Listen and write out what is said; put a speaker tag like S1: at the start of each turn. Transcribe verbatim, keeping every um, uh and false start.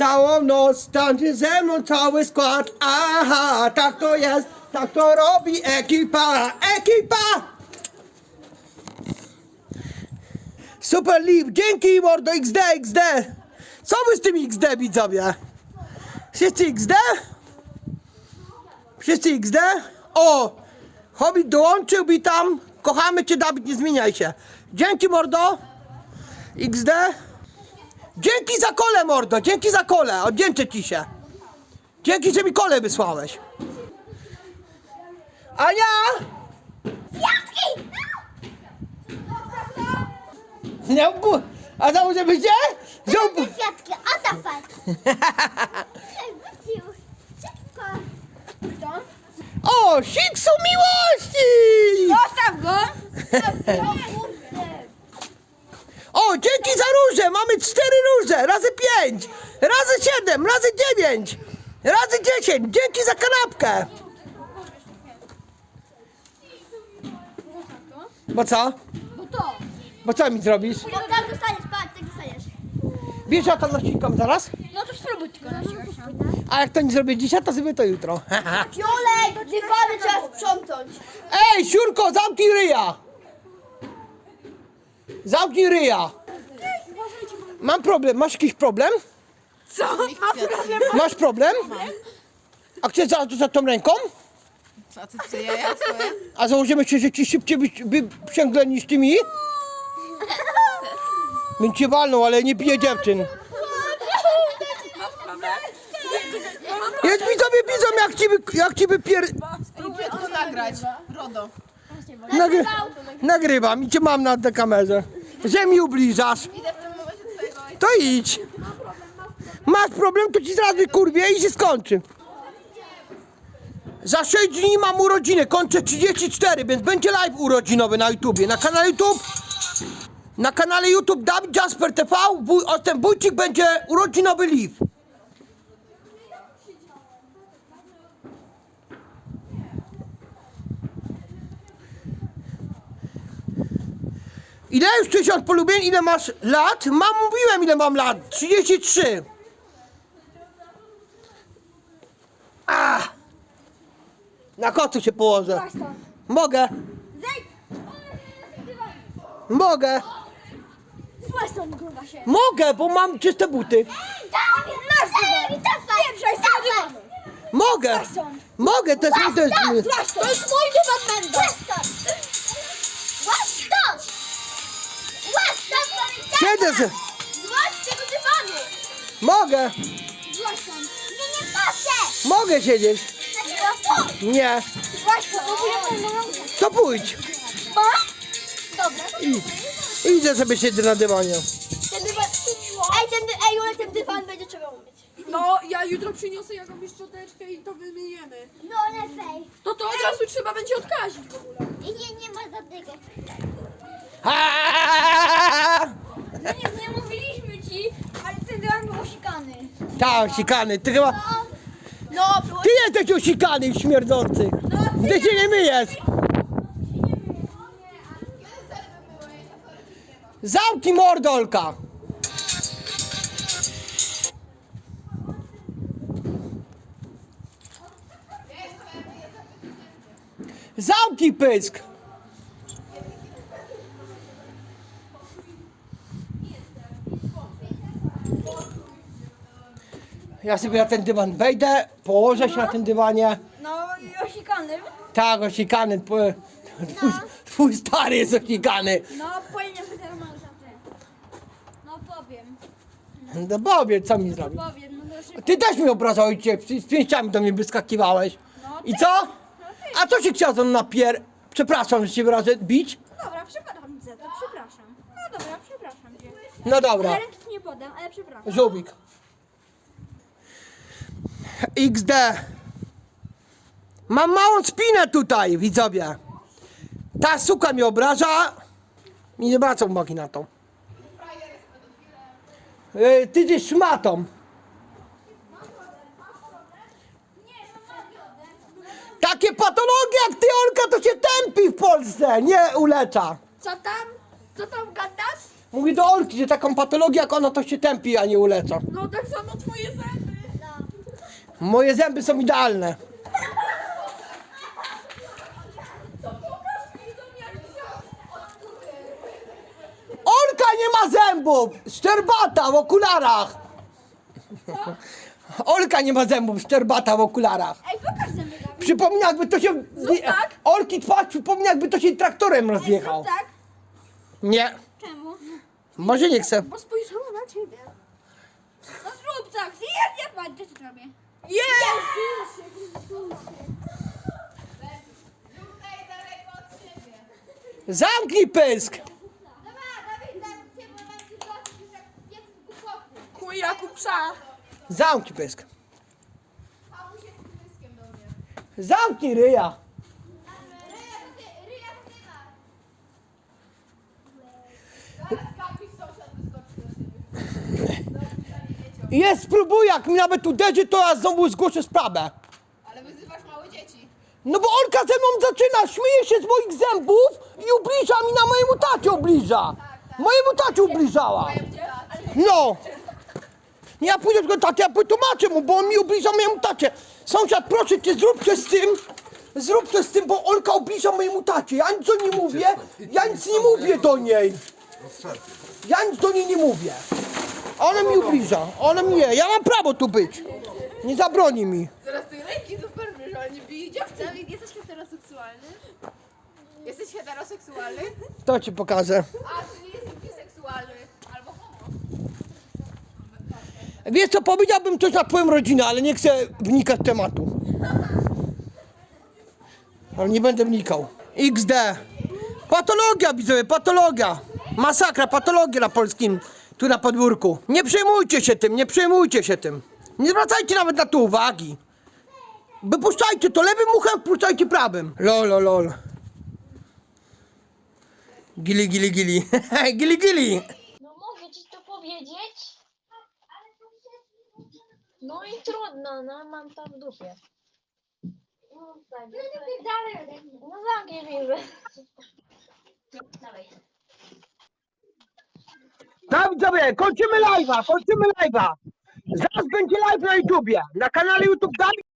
S1: całą noc, tańczy ze mną cały skład. Aha, tak to jest, tak to robi ekipa, ekipa! Super Liv, dzięki mordo, X D, X D! Co wy z tym X D, widzowie? Wszyscy X D? Wszyscy X D? O! Hobbit dołączył, witam. Kochamy cię, Dawid, nie zmieniaj się. Dzięki, mordo. X D. Dzięki za kole, mordo. Dzięki za kole. Oddzięczę ci się. Dzięki, że mi kole wysłałeś. Ania!
S2: Kwiatki!
S1: Nie, a założę byście?
S2: Te kwiatki, o to fakt. Wrócił. Szybko. Kto?
S1: O, siksu miłości!
S2: Zostaw go!
S1: O, dzięki za róże! Mamy cztery róże! Razy pięć! Razy siedem! Razy dziewięć! Razy dziesięć! Dzięki za kanapkę! Bo co?
S2: Bo to.
S1: Bo co mi zrobisz?
S2: Bo tak dostaniesz, patrz, tak dostaniesz.
S1: Wiesz, ja to nasikam zaraz?
S2: No to spróbuj tylko na siłę.
S1: A jak to nie zrobię dzisiaj, to zrobię to jutro.
S2: Fiolek, dywany trzeba sprzątnąć.
S1: Ej, siurko, zamknij ryja! Zamknij ryja! Mam problem. Masz jakiś problem?
S2: Co? Ma problem?
S1: Masz problem? A chcesz za, za tą ręką?
S3: A ty co, ja, ja twoje?
S1: A założymy się, że ci szybciej wy- wyprzęgle niż ty mi? Bym cię walnął, ale nie bije dziewczyn. Jest widzowie, widzą jak ci, wy- jak ci wypier...
S3: Spróbuję to nagrać. RODO.
S1: Nagry... Nagrywam i cię mam na tej kamerze. Że mi ubliżasz.
S3: Idę w tym momencie twojego ojca.
S1: To idź. Masz problem, to ci zaraz wykurwię i się skończy. Za sześć dni mam urodziny, kończę trzydzieści cztery, więc będzie live urodzinowy na YouTubie. Na kanale YouTube, na kanale YouTube Dawid Jasper T V, wuj, o, ten wójcik będzie urodzinowy live. Ile już tysiąc polubień? Ile masz lat? Mam, mówiłem ile mam lat. trzydzieści trzy. Ah. Na kocu się położę. Mogę.
S2: Zejdź!
S1: Mogę.
S2: Złaź stąd, gruba się.
S1: Mogę, bo mam czyste buty.
S2: Dawid, masz dywan! Pieprzaj z tego dywanu!
S1: Mogę. Mogę, to jest mój, to jest mój.
S2: Złaź stąd! To jest mój dywan, Mendo! Złaź stąd! Złaź stąd! Złaź stąd, powiedziałem!
S1: Siedzę se.
S2: Złaź z tego dywanu!
S1: Mogę.
S2: Złaź stąd! Nie, nie patrzę!
S1: Mogę siedzieć.
S2: Dlaczego stąd?
S1: Nie.
S2: Złaź stąd, bo ja mam
S1: To pójdź.
S2: Ma? Dobra.
S1: I, idę sobie siedzę na dywanie.
S2: Ten dywan... Ej, ten, dy... Ej, ale ten dywan będzie trzeba umyć.
S3: No, ja jutro przyniosę jakąś szczoteczkę i to wymieniemy.
S2: No lepiej.
S3: To to od razu trzeba będzie odkazić w ogóle.
S2: I nie, nie ma żadnego.
S1: Ha!
S2: No nie, nie mówiliśmy ci, ale ten dywan był osikany.
S1: Tak, osikany. Ty chyba...
S2: No, było...
S1: Ty jesteś osikany, śmierdzący. Ty się nie myjesz. Zamknij mordolka. Zamknij pysk. Ja sobie na ten dywan wejdę, położę się na tym dywanie.
S2: No i osikany.
S1: Tak, osikany. Twój, twój stary jest osikany.
S2: No, powinien być normalny ten. No powiem,
S1: No powiedz, co mi zrobił.
S2: powiem, no to szybko.
S1: Ty też mi obrażałeś cię, z pięściami do mnie wyskakiwałeś. I co? A to się chciał ze mną napier... Przepraszam, że cię wyrażę bić.
S2: Dobra, przepraszam za to, przepraszam. No dobra, przepraszam cię.
S1: No dobra,
S2: Ja ręki nie podam, ale przepraszam.
S1: żółwik. X D. Mam małą spinę tutaj, widzowie. Ta suka mnie obraża. I nie zwracam uwagi na to. Yy, ty jesteś szmatą. Takie patologie jak ty, Olka, to się tępi w Polsce, nie ulecza.
S2: Co tam? Co tam gadasz?
S1: Mówi do Olki, że taką patologię jak ona to się tępi, a nie uleca.
S3: No tak samo twoje zęby.
S1: Moje zęby są idealne.
S3: To pokaż mi zamiar.
S1: Olka nie ma zębów! Szczerbata w okularach! Olka nie ma zębów, szczerbata w okularach.
S2: Ej, pokaż zęby, Dawid.
S1: Przypomina jakby to się...
S3: tak.
S1: Olki twarz przypomina jakby to się traktorem rozjechał.
S2: Tak?
S1: Nie.
S2: Czemu?
S1: Może nie chcę.
S3: Bo spojrzała na ciebie.
S2: No zrób tak. Ja nie patrz, co zrobię.
S3: Jest!
S1: Zamknij pysk!
S2: Dobra, Dawid, dam cię, bo mam ci zobaczyć, jak jak głupoty.
S3: Chuj jak u psa.
S1: Zamknij pysk. Zamknij ryja.
S2: Ryja, to ty, ryja, to ty masz.
S1: Jest, spróbuj, jak mi nawet uderzy, to ja znowu zgłoszę sprawę.
S3: Ale wyzywasz małe dzieci.
S1: No bo Olka ze mną zaczyna, śmieje się z moich zębów i ubliża mi, na mojemu tacie ubliża. Mojemu tacie ubliżała. No. Ja pójdę do tego taty, ja wytłumaczę mu, bo on mi ubliża mojemu tacie. Sąsiad, proszę cię, zrób coś z tym. Zrób coś z tym, bo Olka ubliża mojemu tacie. Ja nic do niej mówię, ja nic nie mówię do niej. Ja nic do niej nie mówię. Ona mi ubliża, ona mi je. Ja mam prawo tu być. Nie zabroni mi.
S3: Zaraz tej ręki super wiesz, ale nie bije dziewczyn.
S4: Dawid, jesteś heteroseksualny? Jesteś heteroseksualny?
S1: To ci pokażę.
S4: A, czyli jesteś biseksualny. Albo homo.
S1: Wiesz co, powiedziałbym coś na twoją rodzinę, ale nie chcę wnikać w tematu. Ale nie będę wnikał. iks de. Patologia, widzowie, patologia. Masakra, patologia na polskim, tu na podwórku. Nie przejmujcie się tym, nie przejmujcie się tym. Nie zwracajcie nawet na to uwagi. Wypuszczajcie to lewym uchem, wpuszczajcie prawym. Lol, lol, lol. Gili, gili, gili. Gili, gili.
S5: No mogę ci to powiedzieć? No i trudno, no mam to w dupie. No tak,
S2: No to ty dalej ode mnie.
S5: no zamknij widzę.
S2: Dawaj.
S1: No widzowie, kończymy live'a, kończymy live'a. Zaraz będzie live na YouTubie, na kanale YouTube Dawid.